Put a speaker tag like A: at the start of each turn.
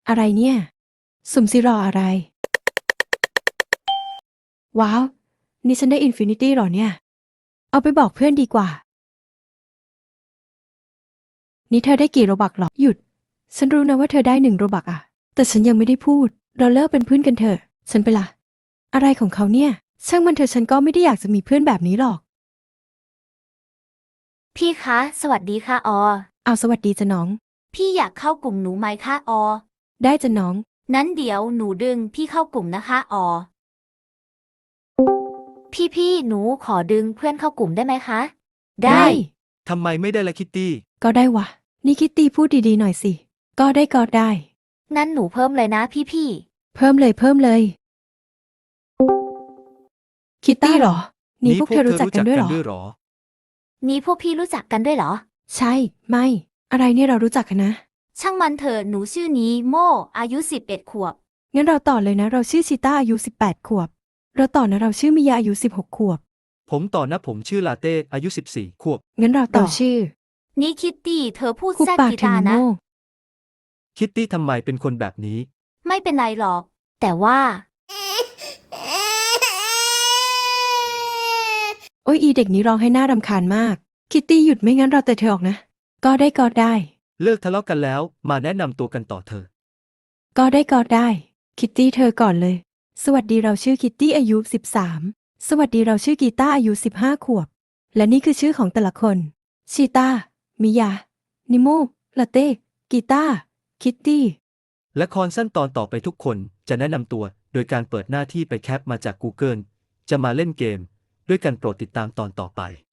A: อะไรเนี่ยสุ่มสิรออะไรว้าวนี่ฉันได้อินฟินิตี้หรอเนี่ยเอาไปบอกเพื่อนดีกว่านี่เธอได้กี่โรบักหรอหยุดฉันรู้นะว่าเธอได้1 โรบักอะแต่ฉันยังไม่ได้พูดเราเลิกเป็นเพื่อนกันเถอะฉันไปละอะไรของเขาเนี่ยช่างมันเถอะฉันก็ไม่ได้อยากจะมีเพื่อนแบบนี้หรอก
B: พี่คะ สวัสดีค่ะออ
A: เอาสวัสดีจ้ะน้อง
B: พี่อยากเข้ากลุ่มหนูไหมคะออ
A: ได้จ้ะน้อง
B: นั้นเดี๋ยวหนูดึงพี่เข้ากลุ่มนะคะออ พี่หนูขอดึงเพื่อนเข้ากลุ่มได้ไหมคะ ได้
C: ทำไมไม่ได้ละคิตตี้
A: ก็ได้วะนี่คิตตี้พูดดีๆหน่อยสิก็ได้
B: งั้นหนูเพิ่มเลยนะพี่
A: เพิ่มเลยคิตตี้เหรอนี่พวกเธอรู้จักกันด้วยเหรอ
B: นี่พวกพี่รู้จักกันด้วยเหรอ
A: ใช่ไม่อะไรเนี่ยเรารู้จักกันนะ
B: ช่างมันเถอะหนูชื่อนี้โมอายุ11 ขวบ
A: งั้นเราต่อเลยนะเราชื่อชิต้าอายุ18 ขวบเราต่อนะเราชื่อมิยาอายุ16 ขวบ
C: ผมต่อนะผมชื่อลาเต้อายุ14 ขวบ
A: งั้นเราต่อชื่อ
B: นี่คิตตี้เธอพูด
A: คุ
B: แทรก
A: ปาก
B: กี
A: ถึง
B: ตาร์นะ
A: โง่
C: คิตตี้ทำไมเป็นคนแบบนี้
B: ไม่เป็นไรหรอก แต่ว่า
A: โอ้ยอีเด็กนี้ร้องให้หน้ารำคาญมากคิตตี้หยุดไม่งั้นเราแต่เธอออกนะก็ได้
C: เลิกทะเลาะกันแล้วมาแนะนำตัวกันต่อเธอ
A: ก็ได้คิตตี้เธอก่อนเลยสวัสดีเราชื่อคิตตี้อายุ13สวัสดีเราชื่อกีตาร์อายุ15 ขวบและนี่คือชื่อของแต่ละคนชีตามิยานิโมลาเต้กีตาร์คิตตี้
C: และคอนสั้นตอนต่อไปทุกคนจะแนะนำตัวโดยการเปิดหน้าที่ไปแคปมาจาก Google จะมาเล่นเกมด้วยกันโปรดติดตามตอนต่อไป